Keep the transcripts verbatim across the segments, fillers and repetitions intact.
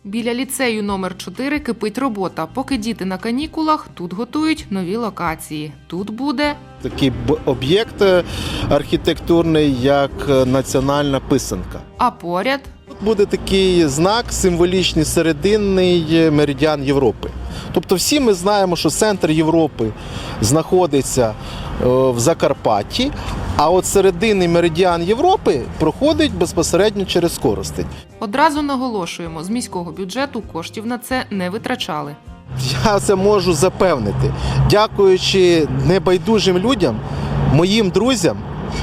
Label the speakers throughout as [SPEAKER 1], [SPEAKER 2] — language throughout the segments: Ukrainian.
[SPEAKER 1] Біля ліцею номер чотири кипить робота. Поки діти на канікулах, тут готують нові локації. Тут буде
[SPEAKER 2] такий об'єкт архітектурний, як національна писанка.
[SPEAKER 1] А поряд
[SPEAKER 2] Тут буде такий знак символічний, серединний меридіан Європи. Тобто всі ми знаємо, що центр Європи знаходиться в Закарпатті, а от серединний меридіан Європи проходить безпосередньо через Коростень.
[SPEAKER 1] Одразу наголошуємо, з міського бюджету коштів на це не витрачали.
[SPEAKER 2] Я це можу запевнити. Дякуючи небайдужим людям, моїм друзям,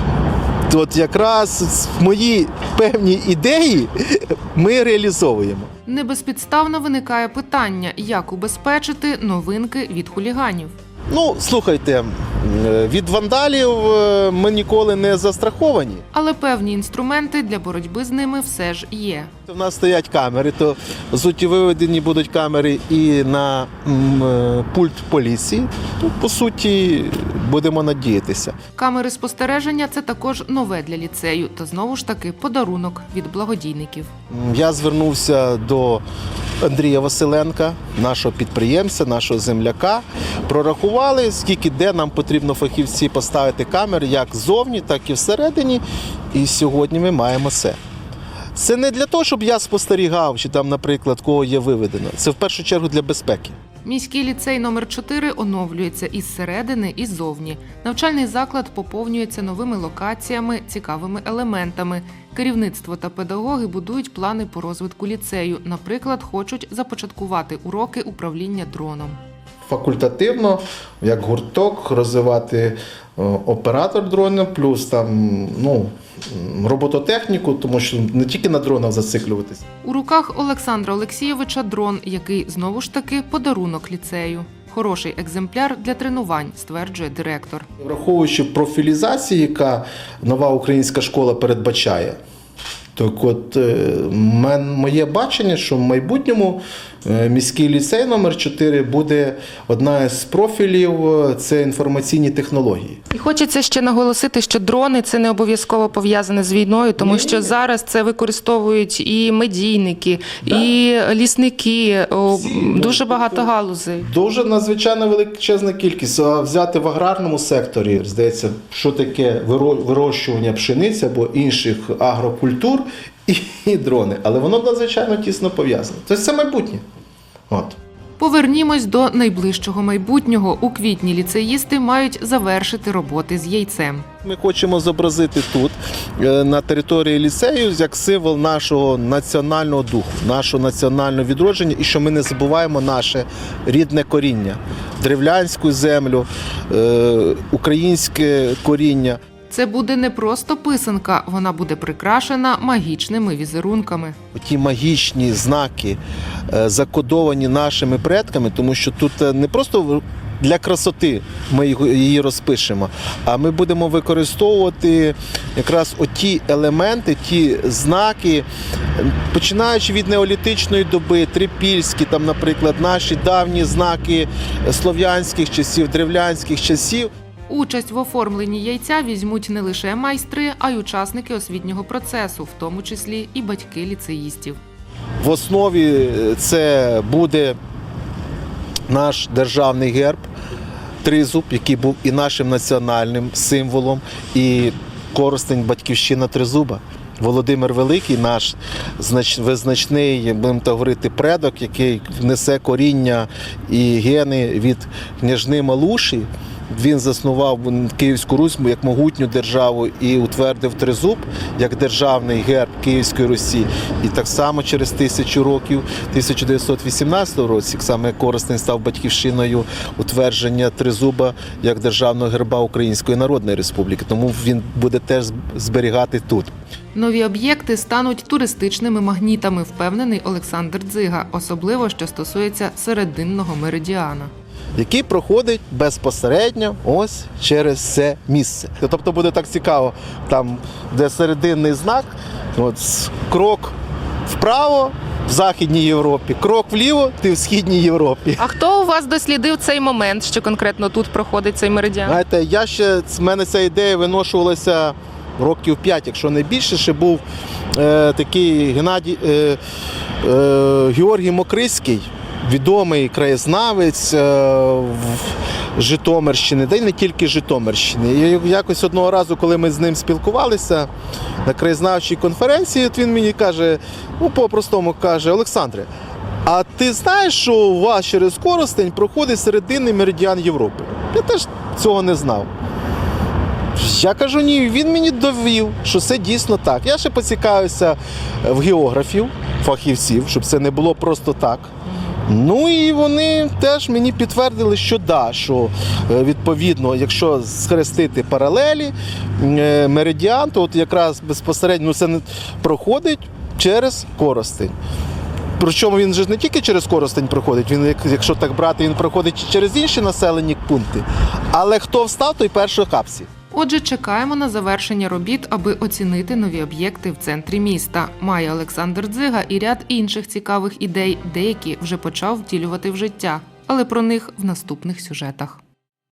[SPEAKER 2] от якраз мої певні ідеї ми реалізовуємо.
[SPEAKER 1] Небезпідставно виникає питання, як убезпечити новинки від хуліганів.
[SPEAKER 2] Ну, слухайте, від вандалів ми ніколи не застраховані.
[SPEAKER 1] Але певні інструменти для боротьби з ними все ж є.
[SPEAKER 2] У нас стоять камери, то по суті виведені будуть камери і на м, пульт поліції. То, по суті, будемо надіятися.
[SPEAKER 1] Камери спостереження – це також нове для ліцею, та знову ж таки подарунок від благодійників.
[SPEAKER 2] Я звернувся до Андрія Василенка, нашого підприємця, нашого земляка. Прорахували, скільки де нам потрібно фахівці поставити камери, як ззовні, так і всередині. І сьогодні ми маємо це. Це не для того, щоб я спостерігав, чи там, наприклад, кого є виведено. Це в першу чергу для безпеки.
[SPEAKER 1] Міський ліцей номер чотири оновлюється із середини і ззовні. Навчальний заклад поповнюється новими локаціями, цікавими елементами. Керівництво та педагоги будують плани по розвитку ліцею. Наприклад, хочуть започаткувати уроки управління дроном.
[SPEAKER 2] Факультативно, як гурток, розвивати оператор дрона, плюс там, ну, робототехніку, тому що не тільки на дронах зациклюватися.
[SPEAKER 1] У руках Олександра Олексійовича дрон, який знову ж таки подарунок ліцею. Хороший екземпляр для тренувань, стверджує директор.
[SPEAKER 2] Враховуючи профілізацію, яка нова українська школа передбачає, так от моє бачення, що в майбутньому міський ліцей номер чотири буде одна з профілів – це інформаційні технології.
[SPEAKER 1] І хочеться ще наголосити, що дрони – це не обов'язково пов'язане з війною, тому що зараз це використовують і медійники, да. і лісники, Всі, дуже багато галузей.
[SPEAKER 2] Дуже надзвичайно величезна кількість. А взяти в аграрному секторі, здається, що таке вирощування пшениці або інших агрокультур і, і дрони. Але воно надзвичайно тісно пов'язане. Тобто це майбутнє. От.
[SPEAKER 1] Повернімось до найближчого майбутнього. У квітні ліцеїсти мають завершити роботи з яйцем.
[SPEAKER 2] Ми хочемо зобразити тут, на території ліцею, як символ нашого національного духу, нашого національного відродження, і що ми не забуваємо наше рідне коріння, древлянську землю, українське коріння.
[SPEAKER 1] Це буде не просто писанка, вона буде прикрашена магічними візерунками.
[SPEAKER 2] Ті магічні знаки закодовані нашими предками, тому що тут не просто для красоти ми її розпишемо, а ми будемо використовувати якраз оті елементи, ті знаки, починаючи від неолітичної доби, трипільські, там, наприклад, наші давні знаки слов'янських часів, древлянських часів.
[SPEAKER 1] Участь в оформленні яйця візьмуть не лише майстри, а й учасники освітнього процесу, в тому числі і батьки ліцеїстів.
[SPEAKER 2] В основі це буде наш державний герб, тризуб, який був і нашим національним символом, і Коростень – батьківщина тризуба. Володимир Великий, наш визначний, будемо так говорити, предок, який несе коріння і гени від княжни Малуші. Він заснував Київську Русь як могутню державу і утвердив тризуб як державний герб Київської Русі. І так само через тисячу років, в тисяча дев'ятсот вісімнадцятому році, саме Коростень став батьківщиною утвердження тризуба як державного герба Української Народної Республіки. Тому він буде теж зберігати тут.
[SPEAKER 1] Нові об'єкти стануть туристичними магнітами, впевнений Олександр Дзига, особливо, що стосується серединного меридіана,
[SPEAKER 2] який проходить безпосередньо ось через це місце. Тобто буде так цікаво, там, де серединний знак, от, крок вправо в Західній Європі, крок вліво ти в Східній Європі.
[SPEAKER 1] А хто у вас дослідив цей момент, що конкретно тут проходить цей меридіан?
[SPEAKER 2] Знаєте, я ще, в мене ця ідея виношувалася років п'ять, якщо не більше, ще був е, такий Геннадій, е, Е, Георгій Мокрицький, відомий краєзнавець е, в Житомирщини, та й не тільки Житомирщини. І якось одного разу, коли ми з ним спілкувалися на краєзнавчій конференції, от він мені каже, ну по-простому каже: Олександре, а ти знаєш, що у вас через Коростень проходить серединний меридіан Європи? Я теж цього не знав. Я кажу, ні, він мені довів, що це дійсно так. Я ще поцікавився в географів, фахівців, щоб це не було просто так. Ну і вони теж мені підтвердили, що да, що відповідно, якщо схрестити паралелі, меридіан, то от якраз безпосередньо ну, це не проходить через Коростень. Причому він же не тільки через Коростень проходить, він, якщо так брати, він проходить через інші населені пункти. Але хто встав, той перший капсі.
[SPEAKER 1] Отже, чекаємо на завершення робіт, аби оцінити нові об'єкти в центрі міста. Має Олександр Дзига і ряд інших цікавих ідей, деякі вже почав втілювати в життя. Але про них в наступних сюжетах.